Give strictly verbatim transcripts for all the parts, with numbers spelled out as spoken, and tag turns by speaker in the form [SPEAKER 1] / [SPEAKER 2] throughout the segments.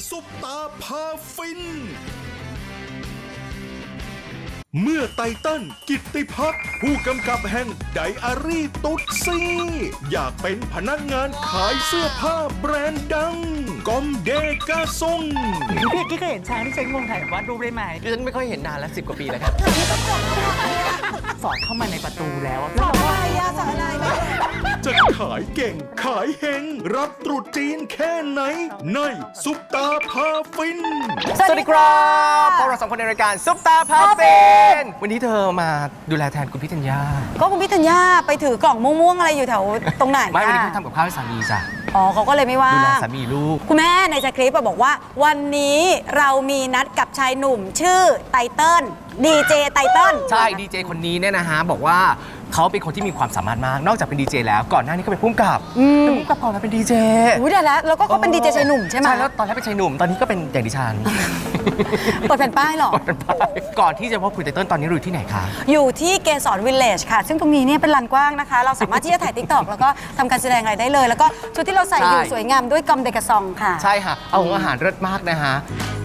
[SPEAKER 1] ซุปตาพาฟินเมื่อไตเติ้ลกิตติพัฒน์ผู้กำกับแห่งไดอารี่ตุ๊ดซีอยากเป็นพนักงานขายเสื้อผ้าแบรนด์ดังกอมเดกาซง
[SPEAKER 2] พี่กิ๊กเคยเห็นช้างที่ใช้งวงถ่ายวาดรูปได้ไหม
[SPEAKER 3] ดิฉันไม่ค่อยเห็นนานแล้วสิบกว่าปีแล้วครับ
[SPEAKER 2] สอดเข้ามาในประตูแล้ว
[SPEAKER 4] สอนอะไรอะสอนอะไรไม่
[SPEAKER 1] จะขายเก่งขายเฮงรับตรุษจีนแค่ไหนในซุปตาพาฟิน
[SPEAKER 3] สวัสดีครับพวกเราสองคนในรายการซุปตาพาเฟนวันนี้เธอมาดูแลแทนคุณพี่ธัญญา
[SPEAKER 4] ก็คุณพี่ธัญญาไปถือกล่องม่วงๆอะไรอยู่แถวตรงไหน
[SPEAKER 3] ไม่วันนี้
[SPEAKER 4] อะ
[SPEAKER 3] เขาทำกับข้าวให้สามีจ้ะ
[SPEAKER 4] อ๋อเขาก็เลยไม่ว่า
[SPEAKER 3] ดูแลสามีลูก
[SPEAKER 4] คุณแม่ในสคริปต์อะบอกว่า วันนี้เรามีนัดกับชายหนุ่มชื่อไตเติ้ลดีเจไตเติ้ล
[SPEAKER 3] ใช่ดีเจคนนี้เนี่ยนะฮะบอกว่าเขาเป็นคนที่มีความสามารถมากนอกจากเป็นดีเจแล้วก่อนหน้านี้ก็เป็นผู้กำกับเป็นผู้กำกับก่อนมาเป็นดีเจ
[SPEAKER 4] อุ้ยได้แล้วแล้วก็เขาเป็นดีเจชายหนุ่มใช่ไหม
[SPEAKER 3] ใช่แล้วตอนแรกเป็นชายหนุ่มตอนนี้ก็เป็นอย่างดิฉัน
[SPEAKER 4] เปิดแผ่นป้ายเหรอ
[SPEAKER 3] ก่อนที่จะพบคุณไตเติ้ลตอนนี้อยู่ที่ไหนคะ
[SPEAKER 4] อยู่ที่เกสรวิลเลจค่ะ ซึ่งตรงนี้เนี่ยเป็นลานกว้างนะคะ เราสามารถที่จะถ่ายติ๊กตอกแล้วก็ทำการแสดงอะไรได้เลย แล้วก็ชุดที่เราใส่อยู่สวยงามด้วยกอมเดกาซองค่ะ
[SPEAKER 3] ใช่ค่ะเอาของอาหารเลิศมากนะฮะ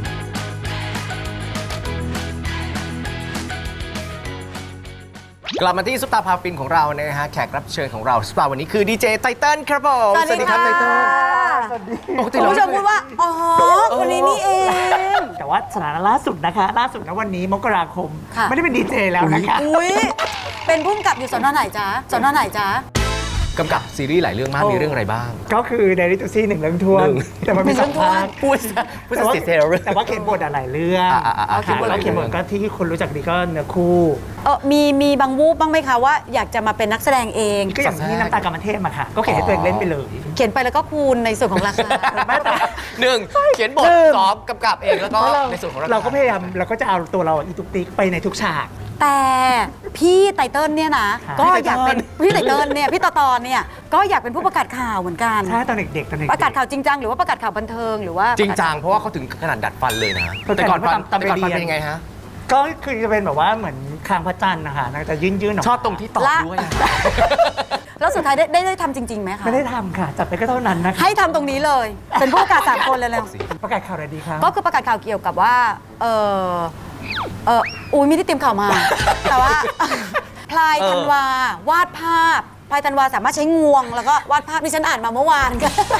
[SPEAKER 3] กลับมาที่ซุปตาพาฟินของเรานะฮะแขกรับเชิญของเราซุปตาวันนี้คือดีเจไตเติ้ลครับผม
[SPEAKER 4] สวัสดี
[SPEAKER 3] ครั
[SPEAKER 4] ค่ะ
[SPEAKER 3] ไตเติ้ลปกติ
[SPEAKER 4] คุณ
[SPEAKER 3] เรา
[SPEAKER 4] ผู้ชมพูดว่า อ๋อ คนนี้นี่เอง
[SPEAKER 2] แต่ว่าสถานะล่าสุดนะคะ ล่าสุดนะวันนี้มกราคม
[SPEAKER 4] ค่ะ
[SPEAKER 2] ไม่ได้เป็นดีเจแล้วนะคะ
[SPEAKER 4] อุ้ยเป็นผู้กำกับอยู่สอนอไหนจ๊ะสอนอไหนจ๊ะ
[SPEAKER 3] กำกับซีรีส์หลายเรื่องมาก
[SPEAKER 2] โอ้
[SPEAKER 3] มีเรื่องอะไรบ้าง
[SPEAKER 2] ก็คือเดลิทูซี่หนึ่งเรื่องทวน
[SPEAKER 3] หนึ่ง
[SPEAKER 2] แต่มันมีสองภาค
[SPEAKER 3] พูดซะพูด
[SPEAKER 2] แต่
[SPEAKER 3] ซะ
[SPEAKER 2] ว่า
[SPEAKER 3] เสียเซลล์เลย
[SPEAKER 2] แต่ว่าเขียนบทอะหลายเรื่อง
[SPEAKER 3] อ่ะอ่ะอ่ะ
[SPEAKER 2] ค่ะ
[SPEAKER 3] เขียนบทห
[SPEAKER 2] แล้
[SPEAKER 3] ลา
[SPEAKER 2] วย เขียนบท
[SPEAKER 3] เรื่อง
[SPEAKER 2] ก็ที่คนรู้จักดีก็เนื้อคู่
[SPEAKER 4] เออมีมีบางวูบบ้างไหมคะว่าอยากจะมาเป็นนักแสดงเอง
[SPEAKER 2] ก็อย่างที่น้ำตากรรมเทพมาค่ะ ก็เขียนให้ตัวเองเล่นไปเลย
[SPEAKER 4] เขียนไปแล้วก็คูณในส่วนของราคา
[SPEAKER 2] ไม่แต่
[SPEAKER 3] หนึ่งเขียนบท
[SPEAKER 2] หนึ่ง
[SPEAKER 3] สองกำกับเองแล้วก็
[SPEAKER 2] เพราะเรา
[SPEAKER 3] ในส่วนของเรา
[SPEAKER 2] เราก็พยายามเราก็จะเอาตัวเราอีตุกติกไปในทุกฉาก
[SPEAKER 4] แต่พี่ไตเติ้ลเนี่ยนะ
[SPEAKER 2] ค่ะ
[SPEAKER 4] ก็อยากเป็นพี่ไตเติ้ลเนี่ยพี่ตอตอนเนี่ยก็อยากเป็นผู้ประกาศข่าวเหมือนกัน
[SPEAKER 2] ใช่ตอนเด็กๆตอนเด็กๆ
[SPEAKER 4] ประกาศข่าวจริงจังหรือว่าประกาศข่าวบันเทิงหรือว่า
[SPEAKER 3] จริงจังเพราะว่าเขาถึงขนาดดัดฟันเลยนะ
[SPEAKER 2] ประกาศ
[SPEAKER 3] แต่ก่อนฟัน
[SPEAKER 2] ตาม
[SPEAKER 3] แต่ก่อนฟัน
[SPEAKER 2] ไปเรียน
[SPEAKER 3] เป็นยังไงฮะ
[SPEAKER 2] ก็คือจะเป็นแบบว่าเหมือนคางพระจันทร์นะคะนางจะยื่นๆออกมา
[SPEAKER 3] ชอบตรงที่ตอบด้วยอะ
[SPEAKER 4] แล้วสุดท้ายได้ได้ได้ทำจริงๆไหมคะ
[SPEAKER 2] ไม่ได้ทำค่ะ จับไปก็เท่านั้นนะคะ
[SPEAKER 4] ให้ทำตรงนี้เลย เป็นผู้ประกาศสามคนเลยเลย
[SPEAKER 2] ประกาศข่าวอะไรดีคะ
[SPEAKER 4] ก็คือประกาศข่าวเกี่ยวกับว่าเออเอออุ้ยไม่ได้เตรียมข่าวมา แต่ว่า พลายธันวาวาดภาพพลายธันวาสามารถใช้งวง แล้วก็วาดภาพที่ฉันอ่านมาเมื่อวาน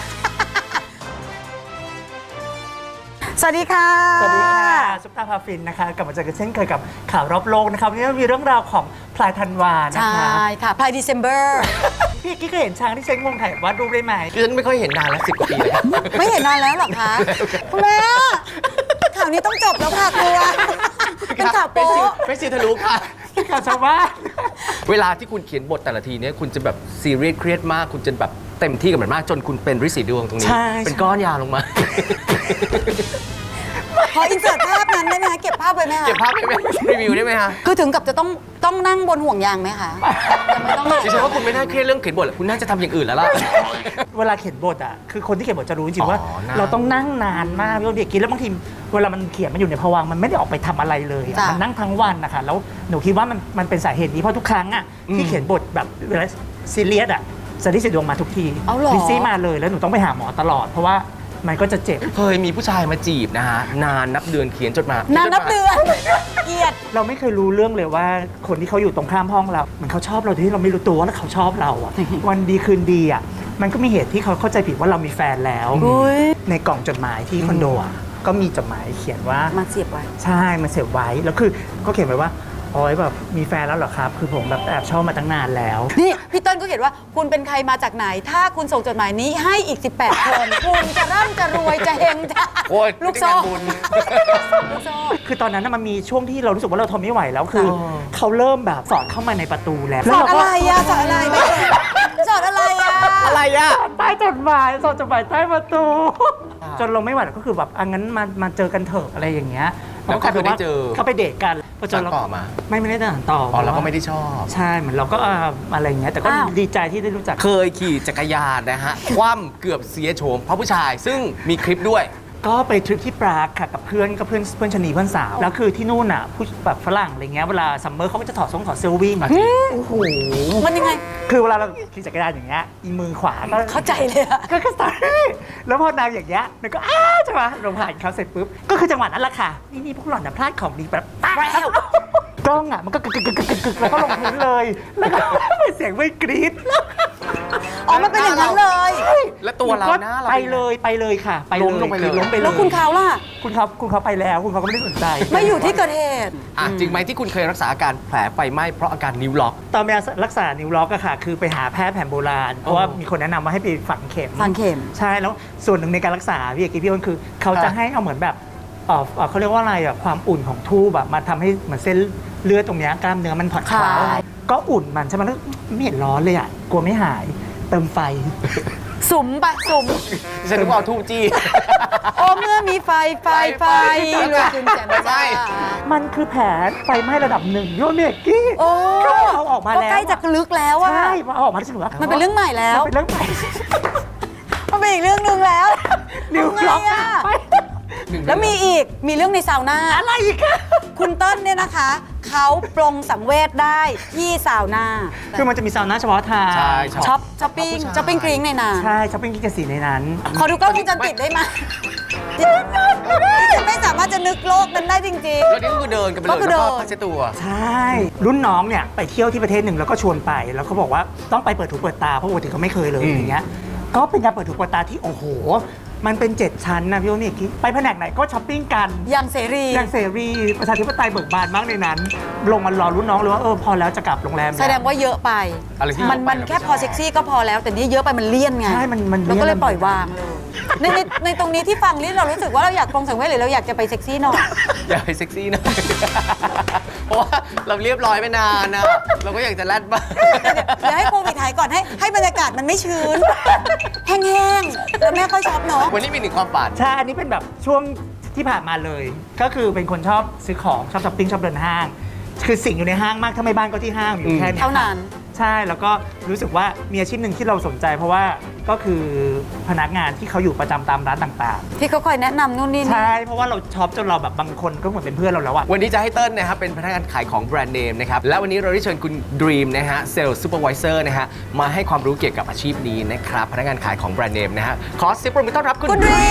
[SPEAKER 4] สวัสดีค่ะ
[SPEAKER 2] สวัสดีค่ะซุปตาพาฟินนะคะกลับมาเจอกันเช่นเคยกับข่าวรอบโลกนะคะวันนี้มีเรื่องราวของพลายธันวานะ
[SPEAKER 4] ใช่
[SPEAKER 2] คะ
[SPEAKER 4] ค่ะพลายเดซ ember
[SPEAKER 2] พี่กิ๊กเคยเห็นช้างที่ใช้งวงถ่ายวาดรูปได้ไหม
[SPEAKER 3] ดิฉันไม่ค่อยเห็นนานแล้วสิบกว่าปีแล้วครับ
[SPEAKER 4] ไม่เห็นนานแล้วเหรอคะคุณแม่ข่าวนี้ต้องจบแล้วค่ะครัวเป็นข่าว
[SPEAKER 3] เป็น
[SPEAKER 4] โป๊ะ
[SPEAKER 3] ซิวเป็นซิวทะลุค่ะ
[SPEAKER 2] ข่าวชาวบ้าน
[SPEAKER 3] เวลาที่คุณเขียนบทแต่ละทีเนี่ยคุณจะแบบซีเรียสเครียดมากคุณจะแบบเต็มที่กับมันมากจนคุณเป็นฤทธิ์สีดวงตรงนี้
[SPEAKER 2] ใช่
[SPEAKER 3] เป็นก้อนยาลงมา
[SPEAKER 4] ขออินเสิร์ตภาพนั้นได้ไหมคะเก็บภาพไว้ไหมคะ
[SPEAKER 3] เก็บภาพได้ไหมรีวิวได้ไหมฮะ
[SPEAKER 4] คือถึงกับจะต้องต้องนั่งบนห่วงยางไหมคะยังไม่ต้อง
[SPEAKER 3] ดิฉันว่าคุณไม่น่าเครียดเรื่องเขียนบทหรอกคุณน่าจะทำอย่างอื่นแล้วล่ะ
[SPEAKER 2] เวลาเขียนบทอ่ะคือคนที่เขียนบทจะรู้จริงๆว่า
[SPEAKER 3] อ๋อนั่ง
[SPEAKER 2] เราต้องนั่งนานมากเราเด็กกินแล้วบางทีเวลามันเขียนมันอยู่ในภวังค์มันไม่ได้ออกไปทำอะไรเลยอะ
[SPEAKER 4] จ้ะ
[SPEAKER 2] มันนั่งทั้งวันนะคะแล้วหนูคิดว่ามันมันเป็นสาเหตุนี้เพราะทุกครั้งอ่ะที่เขียนบทแบบเวลาซีเรียสอ่ะสถิติดวงมาทุกที
[SPEAKER 4] เอาเหรอ
[SPEAKER 2] ลิซซี่มาเลยแล้วหนูต้องไปหาหมอตลอดเพราะว่ามันก็จะเจ็บ
[SPEAKER 3] เคยมีผู้ชายมาจีบนะฮะนานนับเดือนเขียนจดหมาย
[SPEAKER 4] นานนับเดือนเกลียด
[SPEAKER 2] เราไม่เคยรู้เรื่องเลยว่าคนที่เขาอยู่ตรงข้ามห้องเราเหมือนเขาชอบเราโดยที่เราไม่รู้ตัวว่าเขาชอบเราอะ วันดีคืนดีอะมันก็มีเหตุที่เขาเข้าใจผิดว่าเรามีแฟนแล้ว
[SPEAKER 4] อุ้ย
[SPEAKER 2] ในกล่องจดหมายที่คอนโดอะก็มีจดหมายเขียนว่า
[SPEAKER 4] มาเสียบไว้
[SPEAKER 2] ใช่มันเสียบไว้แล้วคือก็เขียนไว้ว่าอ๋อแบบมีแฟนแล้วเหรอครับ คือผมแบบแอบชอบมาตั้งนานแล้ว
[SPEAKER 4] นี่พี่เต้นก็เขียนว่าคุณเป็นใครมาจากไหน ถ้าคุณส่งจดหมายนี้ให้อีก สิบแปด คน คุณจะร่ำจะรวยจะเฮงจะ
[SPEAKER 3] โอ้ย
[SPEAKER 4] ลูกโซ่
[SPEAKER 3] ไม่ได้งานบุญ
[SPEAKER 4] ลูกโซ่
[SPEAKER 2] คือตอนนั้นน่ะมันมีช่วงที่เรารู้สึกว่าเราทนไม่ไหวแล้วคือ
[SPEAKER 3] อ๋อ
[SPEAKER 2] เขาเริ่มแบบสอดเข้ามาในประตูแล้ว
[SPEAKER 4] สอน
[SPEAKER 2] แล้ว
[SPEAKER 4] อะ
[SPEAKER 2] เรา
[SPEAKER 4] ไร
[SPEAKER 2] ก็
[SPEAKER 4] อะสอนอะไรไม่สอนอะไรอะ
[SPEAKER 3] อะไรอ่ะ
[SPEAKER 2] ใต้จดหมายสอดจดหมายใต้ประตู จนเราไม่ไหวแล้วก็คือแบบอังั้นมามาเจอกันเถอะอะไรอย่างเงี้ย
[SPEAKER 3] แล้วก็คือได้เจอ
[SPEAKER 2] เขาไปเดทกันพอเจอ
[SPEAKER 3] สานต่อมา
[SPEAKER 2] ไม่ไม่ได้ต่อต่อ
[SPEAKER 3] อ๋อเราก็ไม่ได้ชอบ
[SPEAKER 2] ใช่เหมือนเราก็อ่าอะไรอย่างเงี้ยแต่ก็ดีใจที่ได้รู้จัก
[SPEAKER 3] เคยขี่จักรยานนะฮะ คว่ำเกือบเสียโฉมเพราะผู้ชาย ซึ่งมีคลิปด้วย
[SPEAKER 2] ก็ไปทริปที่ปรากค่ะกับเพื่อนก็เพื่อนเพื่อนชะนีเพื่อนสาวแล้วคือที่นู่นอ่ะผู้แบบฝรั่งอะไรเงี้ยเวลาซัมเมอร์เขาก็จะถอดทรงถอดเสื้อวิ่ง
[SPEAKER 4] โอ้โหมันยังไง
[SPEAKER 2] คือเวลาเราขี่จักรยานอย่างเงี้ยอีมือขวาก็
[SPEAKER 4] เข้าใจเลยอะ
[SPEAKER 2] ก็ก็สตาร์ทแล้วพอนางอย่างเงี้ยนางก็อ้ายใช่ไหมลงผ่านเขาเสร็จปุ๊บก็คือจังหวะนั้นแหละค่ะนี่นี่พวกหล่อนนะพลาดของดีแบบป๊าแล้วกล้องอ่ะมันก็กึกกึกกึกกึกกึกแล้วก็ลงพื้นเลยแล้วก็เป็นเสียงไม่กรี๊ด
[SPEAKER 4] อ๋อมันเป็นอย่างนั้นเลย
[SPEAKER 3] แล้วตัวเราหน้าเรา
[SPEAKER 2] ไปเลยไปเลยค่ะ ไปเลย
[SPEAKER 3] ล้มลงไปเลย
[SPEAKER 2] คือล้มไปเลย
[SPEAKER 4] แล้วคุณเขาล่ะ
[SPEAKER 2] คุณเขาคุณเขาไปแล้วคุณเขาก็ไม่ได้สนใจ
[SPEAKER 4] ไม่อยู่ที่เกิดเหตุ
[SPEAKER 3] อ่ะจริงไหมที่คุณเคยรักษาอาการแผลไฟไหม้เพราะอาการนิ้วล็อก
[SPEAKER 2] ตอนไปรักษานิ้วล็อกอะค่ะ คือไปหาแพทย์แผนโบราณ เพราะว่ามีคนแนะนำว่าให้ไปฝังเข็ม
[SPEAKER 4] ฝังเข็ม
[SPEAKER 2] ใช่แล้วส่วนหนึ่งในการรักษาพี่เอกกี้พี่อ้นคือ เขาจะให้เอาเหมือนแบบเอ่อเอ่อเขาเรียกว่าอะไรอะความอุ่นของทูบแบบมาทำให้เหมือนเส้นเลือดตรงเนี้ยกล้ามเนื้อมันผ่อนคลา
[SPEAKER 4] คลาย
[SPEAKER 2] ยก็อุ่นมันใช่ไหมแล้วไม่เห็นร้อนเลยอะกลัวไม่หายเติมไฟ
[SPEAKER 4] สุมปะสุม
[SPEAKER 3] ฉันนึกว่าเอาทูบจี้
[SPEAKER 4] โอ้เมื่อมีไฟไฟไฟรวยจึงแจ่มใส
[SPEAKER 2] มันคือแผลไฟไหม้ระดับหนึ่งโยนเมกกี้
[SPEAKER 4] โอ้
[SPEAKER 2] ก็เอาออกมาแล้ว
[SPEAKER 4] ใกล้จะลึกแล้วอะ
[SPEAKER 2] ใช่มาเอาออกมาแล้วฉันบอกว่า
[SPEAKER 4] มันเป็นเรื่องใหม่แล้ว
[SPEAKER 2] มันเป็นเรื่องใหม่
[SPEAKER 4] มันเป็นอีกเรื่องหนึ่งแล้ว
[SPEAKER 2] นิ้ว
[SPEAKER 4] ทำไง
[SPEAKER 2] ล็อก
[SPEAKER 4] อะ
[SPEAKER 2] ไป
[SPEAKER 4] แล้วมีอีกมีเรื่องในซาวน่า
[SPEAKER 2] อะไรอีกอะ
[SPEAKER 4] คุณเติ้ลเนี่ยนะคะ เขาปรงสังเวชได้ที่ซาวน่า
[SPEAKER 2] คือมันจะมีซาวน่าเฉพาะทาง
[SPEAKER 3] ใช่
[SPEAKER 4] ช็อปช้อปปิ้งช้อปปิ้งกริ้งในนั้น
[SPEAKER 2] ใช่ช้อปปิ้งกินกสีในนั้น
[SPEAKER 4] ขอดูกล้องวงจรปิดได้ไหมดิฉันไม่สามารถจะนึกโลกนั้นได้จริง
[SPEAKER 3] แล้วนี่ก็คือเดินกันไปเลย
[SPEAKER 4] ก็คือ
[SPEAKER 3] แล้วก็
[SPEAKER 4] เดิน
[SPEAKER 3] พัชตัว
[SPEAKER 2] ใช่ รุ่นน้องเนี่ยไปเที่ยวที่ประเทศหนึ่งแล้วก็ชวนไป แล้วเขาบอกว่าต้องไปเปิดถูเปิดตาเพราะปกติเขาไม่เคยเลย
[SPEAKER 3] อืม
[SPEAKER 2] อย่างเงี้ยก็เป็นการเปิดถูเปิดตาที่โอ้โห มันเป็นเจ็ดชั้นนะพี่โอนี่คิดไปแผนกไหนก็ช้อปปิ้งกัน
[SPEAKER 4] ๆ อย่างเสรี
[SPEAKER 2] อย่างเสรีประชาธิปไตยเบิกบานมากในนั้น ลงมารอรุ่นน้องเลยว่าเออพอแล้วจะกลับโรงแรม
[SPEAKER 4] แสดงว่าเยอะไป
[SPEAKER 3] อะไรที่
[SPEAKER 4] มันมันแค่พอเซ็กซี่ก็พอแล้ว แต่นี่เยอะไปมันเลี่ยนไง
[SPEAKER 2] ใช่มันมัน
[SPEAKER 4] เราก็เลย
[SPEAKER 2] น
[SPEAKER 4] ปล่อยวางเลยในในในตรงนี้ที่ฟังนี่เรารู้สึกว่าเราอยากปรงสังเวชหรือเราอยากจะไปเซ็กซี่หน่อย
[SPEAKER 3] อย่าไปเซ็กซี่นะ เพราะว่าเราเรียบร้อยไปนานนะเราก็อยากจะแรดบ้าง
[SPEAKER 4] เดี๋ยวให้โควิดหายก่อนให้ให้บรรยากาศมันไม่ชื้น แห้งๆ แล้วแม่ค่อยชอบเนาะ
[SPEAKER 3] วันนี้มีหนึ่งความฝัน
[SPEAKER 2] ใช่ อันนี้เป็นแบบช่วงที่ผ่านมาเลย ก็คือเป็นคนชอบซื้อของชอบช้อปปิ้งชอบเดินห้าง คือสิ่งอยู่ในห้างมากถ้าไม่บ้านก็ที่ห้างอยู่แค่นี้
[SPEAKER 4] เท่านั้น
[SPEAKER 2] ใช่ แล้วก็รู้สึกว่ามีอาชีพหนึ่งที่เราสนใจ เพราะว่าก็คือพนักงานที่เขาอยู่ประจำตามร้านต่าง
[SPEAKER 4] ที่เขาคอยแนะนำนู่นนี่
[SPEAKER 2] ๆ
[SPEAKER 4] นี่
[SPEAKER 2] ใช่ เพราะว่าเราช็อปจนเราแบบบางคนก็เหมือนเป็นเพื่อนเราแล้วอะ
[SPEAKER 3] วันนี้จะให้เติ้ลนะครับเป็นพนักงานขายของแบรนด์เนมนะครับและวันนี้เราได้เชิญคุณดรีมนะฮะเซลล์ซูเปอร์วิเซอร์นะฮะมาให้ความรู้เกี่ยวกับอาชีพนี้นะครับพนักงานขายของแบรนด์เนมนะฮะขอเสียงปรบมือต้อนรับคุณ
[SPEAKER 4] คุณดรี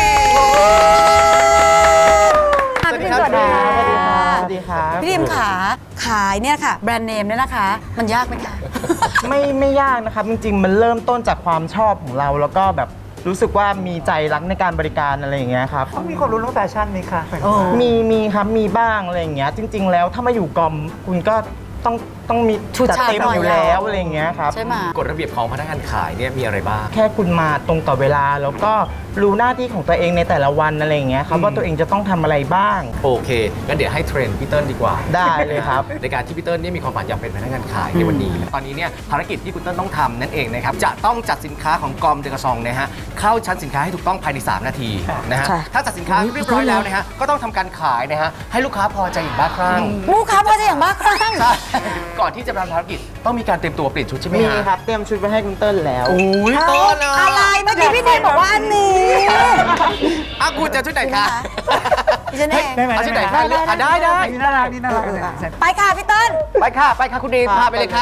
[SPEAKER 4] ค่ะพี่ดิมสวัสดีค่ะ
[SPEAKER 5] สวัสดีครับ
[SPEAKER 4] พี่ดิมขาขายเนี่ยค่ะ แบรนด์เนมเนี่ยนะคะ มันยากไหมคะ
[SPEAKER 5] ไม่ไม่ยากนะครับ จริงๆ มันเริ่มต้นจากความชอบของเรา แล้วก็แบบรู้สึกว่ามีใจรักในการบริการอะไรอย่างเงี้ยครับ
[SPEAKER 2] ต้องมีคนรู้เรื่องแฟชั่นไหมคะ
[SPEAKER 4] โอ้
[SPEAKER 5] มีมีครับมีบ้างอะไรอย่างเงี้ยจริง ๆ แล้วถ้ามาอยู่กอมคุณก็ต้องต้องมี
[SPEAKER 4] ชุด
[SPEAKER 5] จัด
[SPEAKER 4] ฉาด
[SPEAKER 5] เต็ม
[SPEAKER 4] หน่อย
[SPEAKER 5] อยู่แล้วอะไรอย่างเงี้ยครับ
[SPEAKER 4] ใช่ไหม
[SPEAKER 3] กฎระเบียบของพนักงานขายเนี่ยมีอะไรบ้าง
[SPEAKER 5] แค่คุณมาตรงต่อเวลา แล้วก็รู้หน้าที่ของตัวเองในแต่ละวันอะไรอย่างเงี้ยครับ
[SPEAKER 3] อืม
[SPEAKER 5] ว่าตัวเองจะต้องทำอะไรบ้าง
[SPEAKER 3] โอเคงั้นเดี๋ยวให้เทรนพี่เติ้ลดีกว่า
[SPEAKER 5] ได้เลยครับ
[SPEAKER 3] ในการที่พี่เติ้ลเนี่ยมีความฝันอยากเป็นพนักงานขายในวันนี้ ตอนนี้เนี่ยภารกิจที่คุณเติ้ลต้องทำนั่นเองนะครับ จะต้องจัดสินค้าของกอมเดกซองนะฮะเข้าชั้นสินค้าให้ถูกต้องภายใน สาม นาทีนะฮะ
[SPEAKER 4] ใช่
[SPEAKER 3] ถ้าจัดสินค้าเรียบร้อยแล้วนะฮะก็ต้องทำการขายนะฮะให้ลูกค้าพอใจอย่างบ้าคลั่ง
[SPEAKER 4] ลูกค้าพอจะอย่างบ้าคลั่ง
[SPEAKER 3] ใช่ก่อนที่จะทำภารกิจต้องมีการเตรียมตัวเปลี่ยนชุดใช่ไหม
[SPEAKER 5] มี
[SPEAKER 3] ฮะ
[SPEAKER 5] ครับเตรียมชุดไว้ให้คุณเติ้ลแล้ว
[SPEAKER 3] โอ้ยเติ้ลอะ
[SPEAKER 4] อะไรเมื่อกี้พี่ดิมบอกว่าอันนี้
[SPEAKER 3] อ่ะคุณจะชุดไหนคะ
[SPEAKER 4] ดิฉันเอง
[SPEAKER 2] ได้ไหม
[SPEAKER 3] เอาชุดไหนคะเลือกอ่ะได้ได้
[SPEAKER 2] นี่น่ารักนี่น่ารัก
[SPEAKER 4] ไปค่ะพี่เติ้ล
[SPEAKER 3] ไปค่ะไปค่ะคุณดีมพาไปเลยค่ะ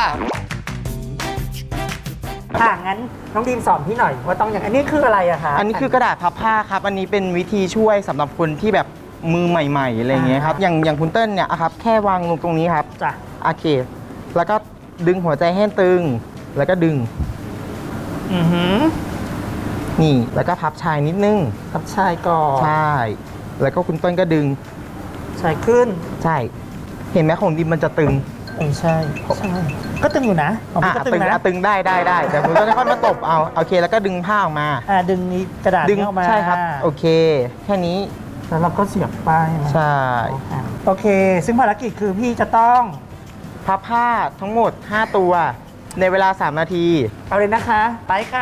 [SPEAKER 2] อ่ะงั้นน้องดีมสอนพี่หน่อยว่าต้องอย่างอันนี้คืออะไรอะคะ
[SPEAKER 5] อันนี้คือกระดาษพับผ้าครับ อันนี้เป็นวิธีช่วยสำหรับคนที่แบบมือใหม่ๆอะไรอย่างเงี้ยครับ อย่างอย่างคุณเติ้ลเนี่ยอะครับ แค่วางลงตรงนี้ครับ
[SPEAKER 2] จ้ะ
[SPEAKER 5] โอเค แล้วก็ดึงหัวใจให้ตึง แล้วก็ดึง
[SPEAKER 2] อือหือ
[SPEAKER 5] นี่ แล้วก็พับชายนิดนึง
[SPEAKER 2] กับชายก่อน
[SPEAKER 5] ใช่ แล้วก็คุณเติ้ลก็ดึง
[SPEAKER 2] ชายขึ้น
[SPEAKER 5] ใช่ เห็นไหมของดิมมันจะตึง
[SPEAKER 2] เออใช่ใช่ก็ตึงอยู่นะของ
[SPEAKER 5] อ่ะ
[SPEAKER 2] พี่ก็ตึ
[SPEAKER 5] ตึ
[SPEAKER 2] ง
[SPEAKER 5] ง
[SPEAKER 2] นะ
[SPEAKER 5] อ่ะตึงได้ได้ได้แต่คุณเติ้ลค่อยมาตบเอา โอเค แล้วก็ดึงผ้าออกมา
[SPEAKER 2] อ่าดึงนี้กระดาษ
[SPEAKER 5] ดึง
[SPEAKER 2] นี้ออกมา
[SPEAKER 5] ใช่ครับ โอเค แค่นี้
[SPEAKER 2] แล้วเราก็เสียบป้ายมา
[SPEAKER 5] ใช่
[SPEAKER 2] อ่ะโอเค ซึ่งภารกิจคือพี่จะต้อง
[SPEAKER 5] พับผ้าทั้งหมด ห้า ตัว ในเวลา สาม นาที
[SPEAKER 2] เอาเลยนะคะ ไปค่ะ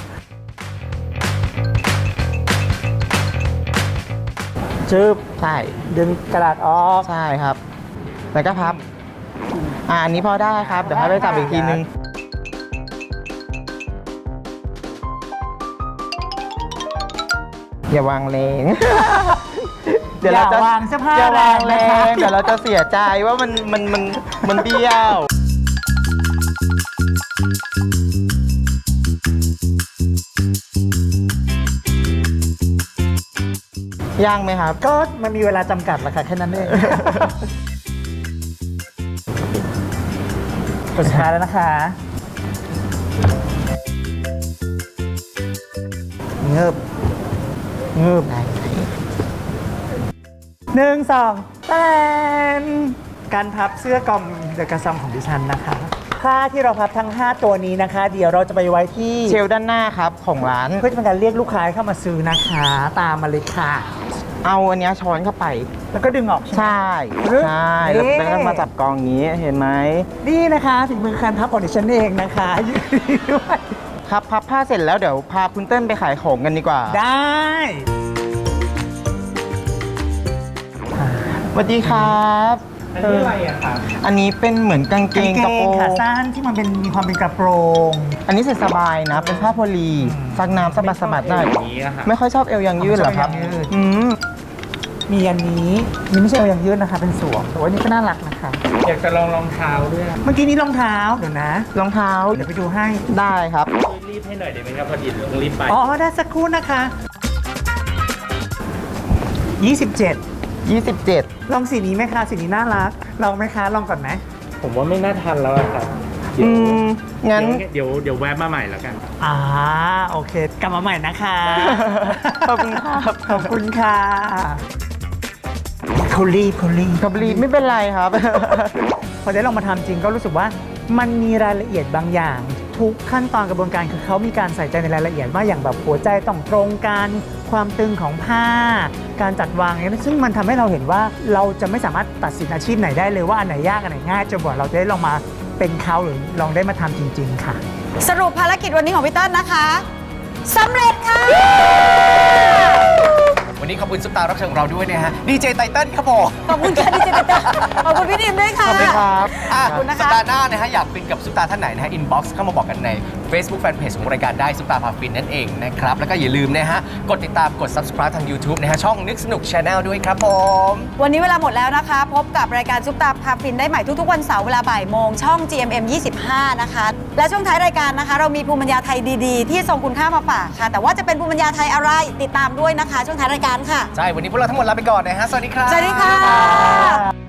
[SPEAKER 2] จึบ
[SPEAKER 5] ใช่
[SPEAKER 2] ดึงกระดาษออก
[SPEAKER 5] ใช่ครับ แล้วก็พับ อ่าอันนี้พอได้ครับ เดี๋ยวให้ไปจับอีกทีนึง อย่าวางแรง เดี๋ยวเราจะ
[SPEAKER 2] อย่าวางเสื้อผ้า
[SPEAKER 5] อย่าวางแร
[SPEAKER 2] แรงนะคะ
[SPEAKER 5] ง เดี๋ยวเราจะเสียใจว่ามันมันมันมันเบี้ยวย่างไหมครับ
[SPEAKER 2] ก็มันมีเวลาจำกัดแหละค่ะแค่นั้นเองกดสุดท้ายแล้วนะคะเงือบเงือบหนึ่งสองแตนการพับเสื้อกอมเดอะกระซอมของดิฉันนะคะผ้าที่เราพับทั้ง ห้า ตัวนี้นะคะ เดี๋ยวเราจะไปไว้ที่
[SPEAKER 5] เชลฟ์ด้านหน้าครับของร้าน
[SPEAKER 2] เพื่อจะเป็นการเรียกลูกค้าให้เข้ามาซื้อนะคะ ตามมาเลยค่ะ
[SPEAKER 5] เอาอันเนี้ยช้อนเข้าไป
[SPEAKER 2] แล้วก็ดึงออกใช่ไหม
[SPEAKER 5] ใช่
[SPEAKER 2] ปึ๊บ
[SPEAKER 5] ใช่แล้ว
[SPEAKER 2] นี่
[SPEAKER 5] แล้วก็มาจับกองอย่างนี้เห็นไหม
[SPEAKER 2] นี่นะคะฝีมือการพับของดิฉันเองนะคะยืนด้วย
[SPEAKER 5] ครับพับผ้าเสร็จแล้วเดี๋ยวพาคุณเติ้ลไปขายของกันดีกว่า
[SPEAKER 2] ได้
[SPEAKER 5] สวัสดีครับอันนี้อะไรอะครับอันนี้เป็นเหมือนกางเกงกระโปรง
[SPEAKER 2] ขาสั้นที่มันเป็นมีความเป็นกระโปรง
[SPEAKER 5] อันนี้ใส่สบายนะ เป็นผ้าโพลีซักน้ำสบายสบายได้ไม่ค่อยชอบเอวยังยืดเหรอครับ
[SPEAKER 2] ไม่ชอบเอวยังยืด
[SPEAKER 5] อืม
[SPEAKER 2] มีอันนี้นี่ไม่ใช่เอาอย่างยืดนะคะ เป็นสวมแต่ว่านี่ก็น่ารักนะคะ
[SPEAKER 6] อยากจะลองรองเท้าด้วย
[SPEAKER 2] เมื่อกี้นี้รองเท้าเดี๋ยวนะ
[SPEAKER 5] รองเท้า
[SPEAKER 2] เดี๋ยวไปดูให้
[SPEAKER 5] ได้ครับ
[SPEAKER 6] ช่วยรีบให้หน่อยได้ไหมครับ พอดีเดี๋ยวต้องรีบไป
[SPEAKER 2] อ๋อได้สักครู่นะคะยี่สิบเจ็ด
[SPEAKER 5] ยี่สิบเจ็ด
[SPEAKER 2] ลองสีนี้ไหมคะสีนี้น่ารักลองไหมคะลองก่อนไหม
[SPEAKER 6] ผมว่าไม่น่าทันแล้วอะครับ เดี๋
[SPEAKER 5] อื
[SPEAKER 6] ยว
[SPEAKER 5] มงั้น
[SPEAKER 6] เดี๋ยวเดี๋ยวแวะมาใหม่แล้วกัน
[SPEAKER 2] อ่าโอเค กลับมาใหม่นะคะ
[SPEAKER 5] ขอบคุณครับ
[SPEAKER 2] ขอบคุณค่ะเขารีบเขารีบ
[SPEAKER 5] กับรีดไม่เป็นไรครับ
[SPEAKER 2] พอได้ลองมาทำจริงก็รู้สึกว่ามันมีรายละเอียดบางอย่าง ทุกขั้นตอนกระบวนการคือเขามีการใส่ใจในรายละเอียดว่าอย่างแบบหัวใจต้องตรงกันความตึงของผ้า การจัดวางเนี่ยซึ่งมันทำให้เราเห็นว่าเราจะไม่สามารถตัดสินอาชีพไหนได้เลยว่าอันไหนยากอันไหนง่ายจนกว่าเราจะได้ลองมาเป็นเขาหรือลองได้มาทำจริง ๆ ค่ะ
[SPEAKER 4] สรุปภารกิจวันนี้ของพี่เติ้ลนะคะสำเร็จค่ะ
[SPEAKER 3] วันนี้ขอบคุณซุปตารับเชิญของเราด้วยนะฮะดีเจไตเติ้ลครับผม
[SPEAKER 4] ขอบคุณค่ะดิเจตาขอบคุณพี่ดิมด้วยค่ะ
[SPEAKER 5] ขอบคุณครับ
[SPEAKER 3] อ่ะ
[SPEAKER 4] ขอบคุณนะคะ
[SPEAKER 3] สัปดาห์หน้านะฮะอยากฟินกับซุปตาท่านไหนนะฮะอินบ็อกซ์เข้ามาบอกกันใน Facebook Fanpage ของรายการได้ซุปตาพาฟินนั่นเองนะครับ แล้วก็อย่าลืมนะฮะกดติดตามกด Subscribe ทาง YouTube นะฮะช่องนึกสนุก Channel ด้วยครับผม
[SPEAKER 4] วันนี้เวลาหมดแล้วนะคะ พบกับรายการซุปตาพาฟินได้ใหม่ทุกๆวันเสาร์เวลาบ่ายโมงช่อง จี เอ็ม เอ็ม ยี่สิบห้า นะคะ และช่วงท้ายรายการนะคะ เรามีภูมิปัญญาไทยดีๆ ที่ทรงคุณค่ามาฝากค่ะ แต่ว่าจะเป็นภูมิปัญญาไทยอะไรติดตามด้วยนะคะ ช่วงท้ายรายการค่ะ
[SPEAKER 3] ใช่ วันนี้พวกเราทั้งหมดลาไปก่อนนะฮะ สวัสดีครับ
[SPEAKER 4] สวัสดีค่ะ